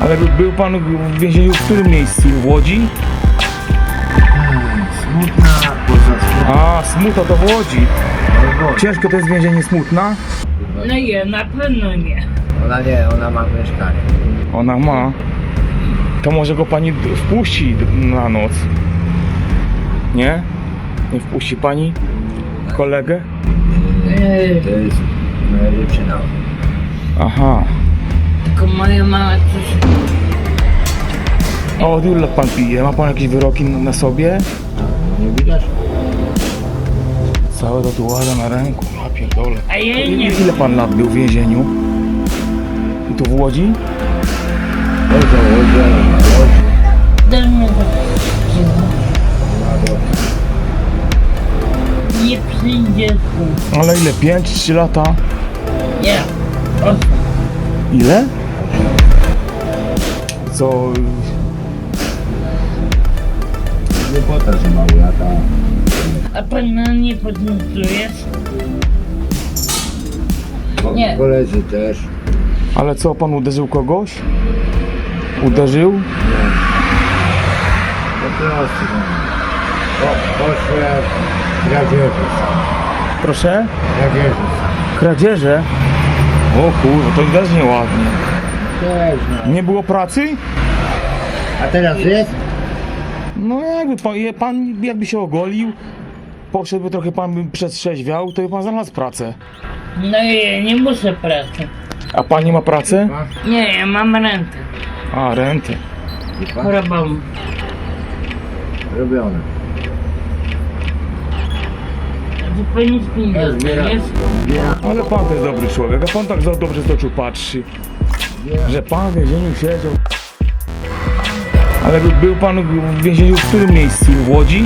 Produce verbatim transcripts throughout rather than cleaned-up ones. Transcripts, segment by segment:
Ale był pan w więzieniu w którym miejscu? W Łodzi? Smutna, poza Smutna. A, Smuta to w Łodzi. Ciężko to jest więzienie Smutna? No nie, na pewno nie. Ona nie, ona ma mieszkanie. Ona ma. To może go pani d- wpuści d- na noc? Nie? Nie wpuści pani kolegę? Yy, To jest moja dziewczyna. Aha. tylko moja mama coś... A od ilu lat pan pije? Ma pan jakieś wyroki na, na sobie? Nie widać? Całe tatuaże na ręku, ja pierdolę. A ja nie Ile, wiem. ile pan lat był w więzieniu? I tu w Łodzi? Chodź, chodź, chodź. Daj mi to. Nie przyjdzie tu. Ale ile? pięć, trzy lata? Nie. Osiem. Ile? Co? Nie pota, że mały lata. A pan nie podniecujesz? Nie. Koledzy też. Ale co, pan uderzył kogoś? Uderzył? Po prostu. No. Po, poszłem kradzieży. Proszę? Kradzieży. Kradzieże? O kurwa, to też nieładnie. Też no. Nie było pracy? A teraz jest? No jakby pan, je- pan jakby się ogolił, poszedłby trochę pan by przetrzeźwiał, to by pan znalazł pracę. No ja nie muszę pracy. A pan nie ma pracy? Nie, ja mam rentę. A, rentę. Chorobą. Robione. To pani pieniądze, Zbiera. nie? Ale pan to jest dobry człowiek, a pan tak za dobrze z oczu patrzy, że pan w więzieniu siedział. Ale by- był pan w więzieniu w którym miejscu? W Łodzi?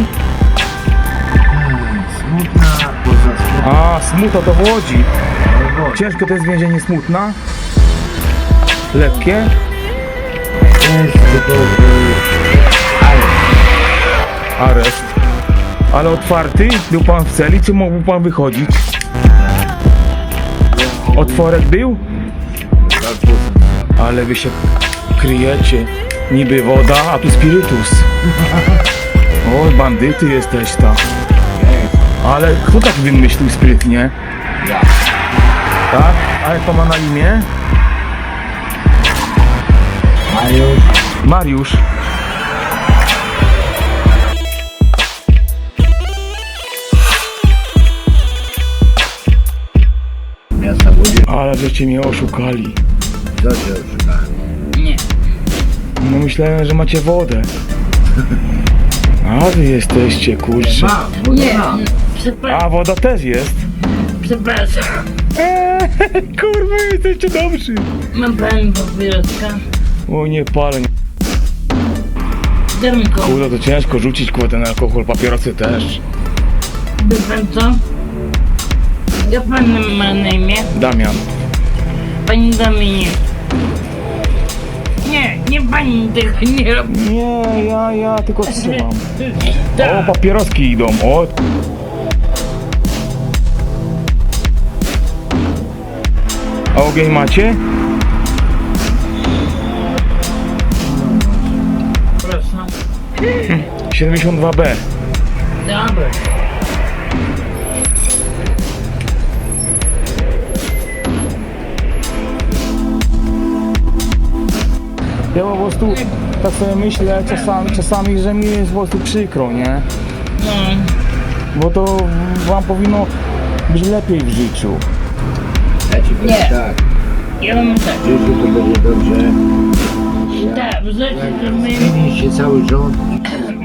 Smutna, poza Smutna. A, Smuta to w Łodzi. Ciężko to jest więzienie Smutna? Lekkie? Jest typowy Areszt. Ale otwarty? Był pan w celi, czy mógł pan wychodzić? Otworek był? Ale wy się kryjecie. Niby woda, a tu spirytus. Oj, bandyty jesteś ta. Ale kto tak wymyślił sprytnie? Ja. Tak? A jak to ma na imię? A już Mariusz. miasta Łodzi. Ale żeście mnie oszukali. Co cię oszukałem? Nie. No myślałem, że macie wodę. A wy jesteście, kurczę. Mam, bo Nie. mam. Przepra- A woda też jest. przepraszam. Eee, kurwa, jesteście dobrzy. Ma pan papieroska? O nie palę. Daj mi koło. Kurde, to ciężko rzucić kurde ten alkohol, papierosy też. Wie pan co? Jak pan ma na imię? Damian. Pani Dominik. Nie, nie pani tego nie robi. Nie, ja, ja tylko trzymam. O, Tak. papieroski idą, o. A ogień macie? Proszę. siedemdziesiąt dwa B. Dobra. Ja po prostu tak sobie myślę czasami, czasami, że mi jest po prostu przykro, nie? No. Bo to wam powinno być lepiej w życiu. Ja ci powiem Nie. tak. Ja mam tak. W życiu to będzie dobrze. Tak, w życiu to my... Zmieni się cały rząd